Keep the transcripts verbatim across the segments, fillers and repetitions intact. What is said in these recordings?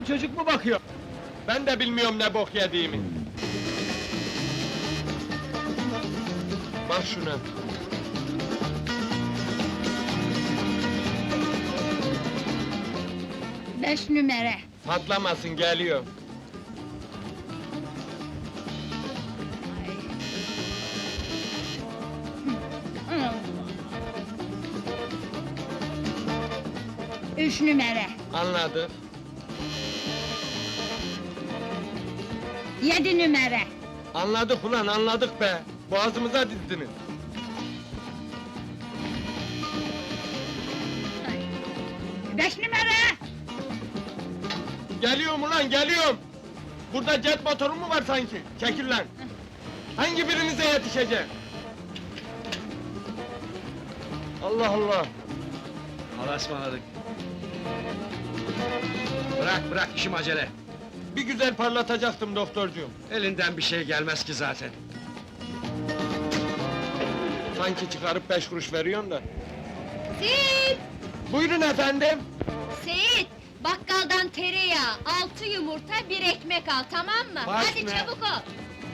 Çocuk mu bakıyor? Ben de bilmiyorum ne bok yediğimi. Bak şuna. Beş numara. Patlamasın, geliyor. Üç numara. Anladık. Yedi numara. Anladık ulan, anladık be. Boğazımıza dizdiniz. Beş numara. Geliyorum ulan, geliyorum! Burada jet motoru mu var sanki? Çekil lan! Hangi birinize yetişeceğim? Allah Allah! Allah'a ısmarladık. Bırak, bırak, işim acele. Bir güzel parlatacaktım doktorcuğum. Elinden bir şey gelmez ki zaten. Sanki çıkarıp beş kuruş veriyorsun da. Seyit! Buyurun efendim! Seyit! Bakkaldan tereyağı, altı yumurta, bir ekmek al, tamam mı? Baş Hadi ne? çabuk ol!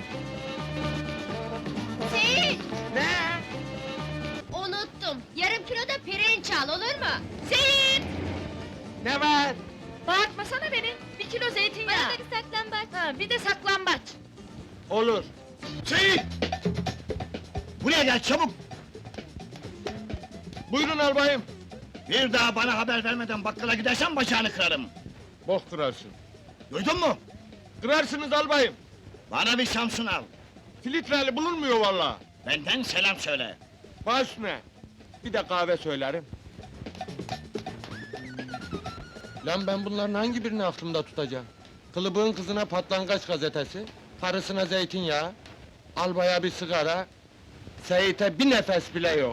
Seyit! Ne? Unuttum, yarım kilo da pirinç al, olur mu? Seyit! Ne var? Bağırtmasana beni, bir kilo zeytinyağı! Bana da bir saklambaç! Ha, bir de saklambaç! Olur. Seyit! Buraya gel, çabuk! Buyurun albayım. Bir daha bana haber vermeden bakkala gidersen bacağını kırarım. Bok kırarsın. Duydun mu? Kırarsınız albayım. Bana bir Samsun al. Filtreli bulunmuyor vallahi. Benden selam söyle. Baş ne? Bir de kahve söylerim. Lan ben bunların hangi birini aklımda tutacağım? Kılıbığın kızına patlangaç gazetesi, karısına zeytinyağı, albaya bir sigara, Seyit'e bir nefes bile yok.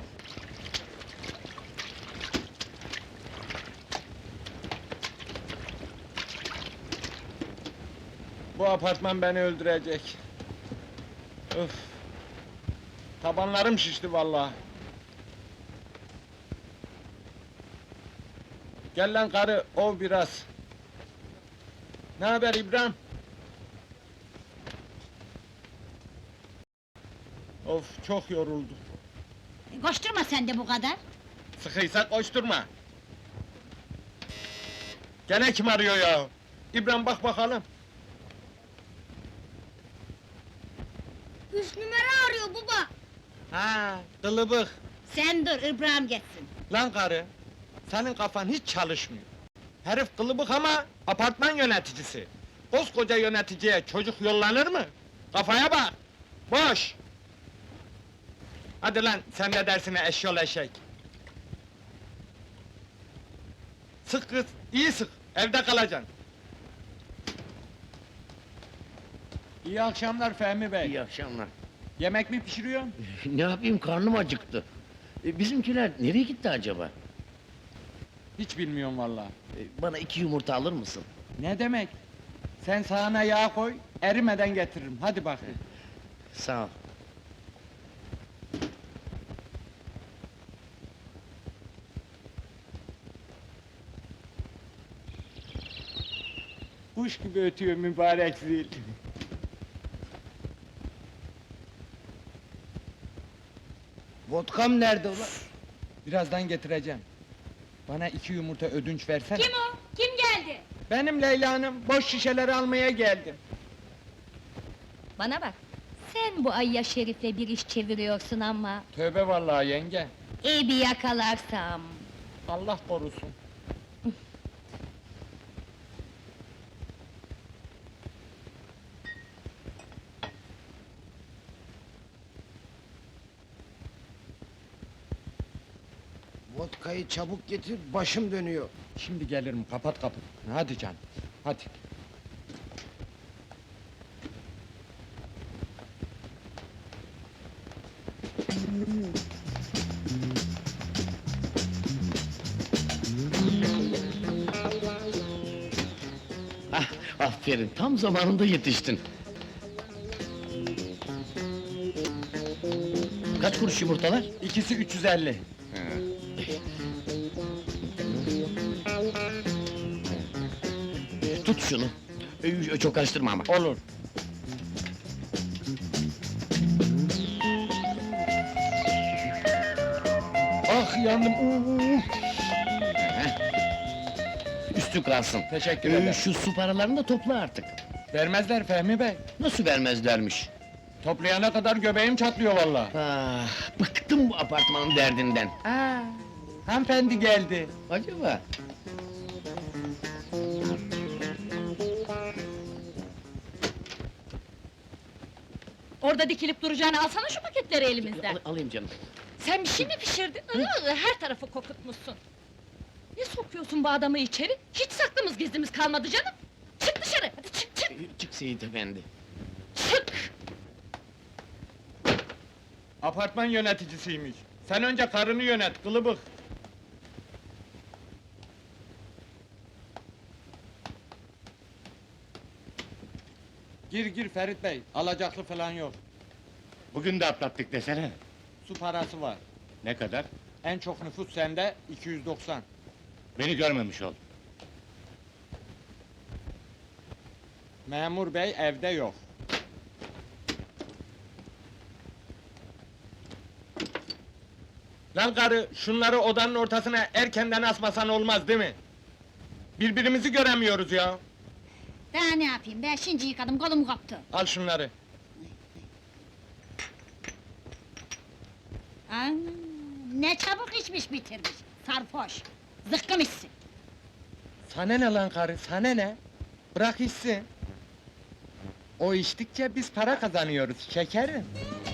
Bu apartman beni öldürecek. Öf! Tabanlarım şişti vallahi. Gel lan karı, ov biraz. Ne haber İbrahim? Of, çok yoruldum. Koşturma sen de bu kadar! Sıkıysa koşturma. Gene kim arıyor ya? İbrahim bak bakalım. Üç numara arıyor baba! Ha, kılıbık. Sen dur, İbrahim geçsin! Lan karı, senin kafan hiç çalışmıyor. Herif kılıbık ama apartman yöneticisi. Koskoca yöneticiye çocuk yollanır mı? Kafaya bak! Boş! Hadi lan, sen ne dersine eşyol eşek! Sık kız, iyi sık, evde kalacaksın. İyi akşamlar Fehmi Bey. İyi akşamlar. Yemek mi pişiriyorsun? Ne yapayım, karnım acıktı. E, bizimkiler nereye gitti acaba? Hiç bilmiyorum vallahi. E, bana iki yumurta alır mısın? Ne demek? Sen sağına yağ koy, erimeden getiririm. Hadi bakayım. Sağ ol. Kuş gibi ötüyor mübarek zil. Vodkam nerede ulan? Birazdan getireceğim. Bana iki yumurta ödünç versene. Kim o? Kim geldi? Benim Leyla Hanım, boş şişeleri almaya geldim. Bana bak! Sen bu Ayya Şerif'le bir iş çeviriyorsun ama... Tövbe vallahi yenge. İyi bir yakalarsam... Allah korusun. Vodkayı çabuk getir, başım dönüyor. Şimdi gelirim, kapat kapıyı. Hadi canım, hadi. Ah, aferin, tam zamanında yetiştin. Kaç kuruş yumurtalar? İkisi üç yüz elli. Tut şunu. Ee, Çok karıştırma ama. Olur. Ah yandım. Uuu. Üstü kalsın. Teşekkür Ee, ederim. Şu su paralarını da topla artık. Vermezler Fehmi Bey. Nasıl vermezlermiş? Toplayana kadar göbeğim çatlıyor vallahi. Ah, bıktım bu apartmanın derdinden. Aa, hanımefendi geldi. Acaba? Orada dikilip duracağını alsana şu paketleri elimizden. Al- alayım canım. Sen bir şey mi pişirdin? Iı, her tarafı kokutmuşsun. Ne sokuyorsun bu adamı içeri? Hiç saklımız gizlimiz kalmadı canım. Çık dışarı, hadi çık çık Ee, Çık Seyit efendi. çık! Apartman yöneticisiymiş. Sen önce karını yönet, kılıbık. Gir gir Ferit Bey, alacaklı falan yok. Bugün de atlattık desene. Su parası var. Ne kadar? En çok nüfus sende, iki yüz doksan. Beni görmemiş ol. Memur bey evde yok. Lan karı, şunları odanın ortasına erkenden asmasan olmaz değil mi? Birbirimizi göremiyoruz ya. Daha ne yapayım, ben şimdi yıkadım, kolum koptu. Al şunları. Aa, ne çabuk içmiş bitirmiş, sarhoş. Zıkkım içsin. Sana ne lan karı, sana ne? Bırak içsin. O içtikçe biz para kazanıyoruz, şekerim.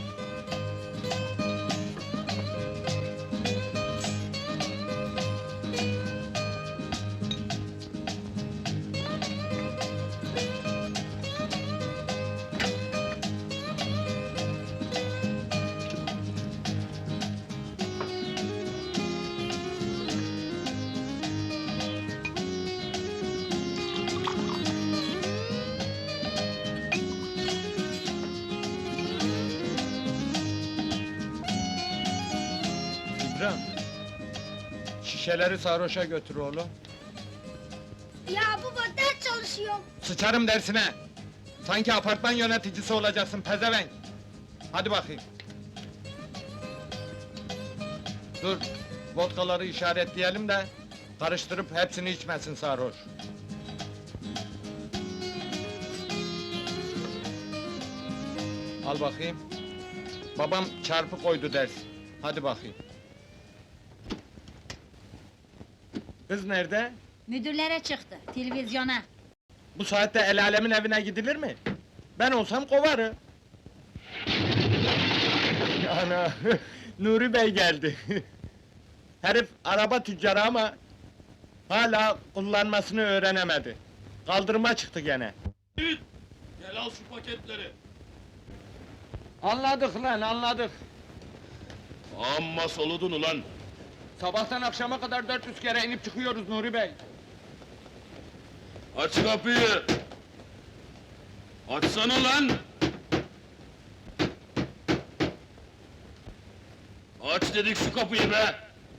İbrahim, şişeleri sarhoşa götür oğlum. Ya baba, ders çalışıyorum. Sıçarım dersine! Sanki apartman yöneticisi olacaksın pezevenk! Hadi bakayım! Dur, vodkaları işaretleyelim de... ...karıştırıp hepsini içmesin sarhoş! Al bakayım! Babam çarpı koydu ders! Hadi bakayım! Kız nerede? Müdürlere çıktı, televizyona. Bu saatte el alemin evine gidilir mi? Ben olsam kovarım. Ana, Nuri Bey geldi. Herif araba tüccarı ama... ...hala kullanmasını öğrenemedi. Kaldırıma çıktı gene. Gel al şu paketleri. Anladık lan, anladık. Amma soludun ulan. Sabahtan akşama kadar dört yüz kere inip çıkıyoruz Nuri Bey. Aç kapıyı. Açsana lan. Aç dedik şu kapıyı be.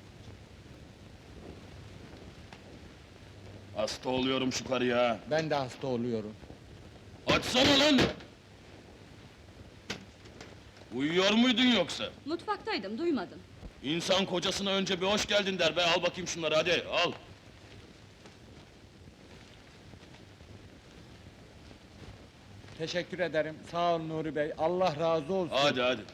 Hasta oluyorum şu karıya. Ben de hasta oluyorum. Açsana lan. Uyuyor muydun yoksa? Mutfaktaydım, duymadım. İnsan kocasına önce bir hoş geldin der be, al bakayım şunları hadi, al! Teşekkür ederim, sağ ol Nuri Bey, Allah razı olsun. Hadi hadi!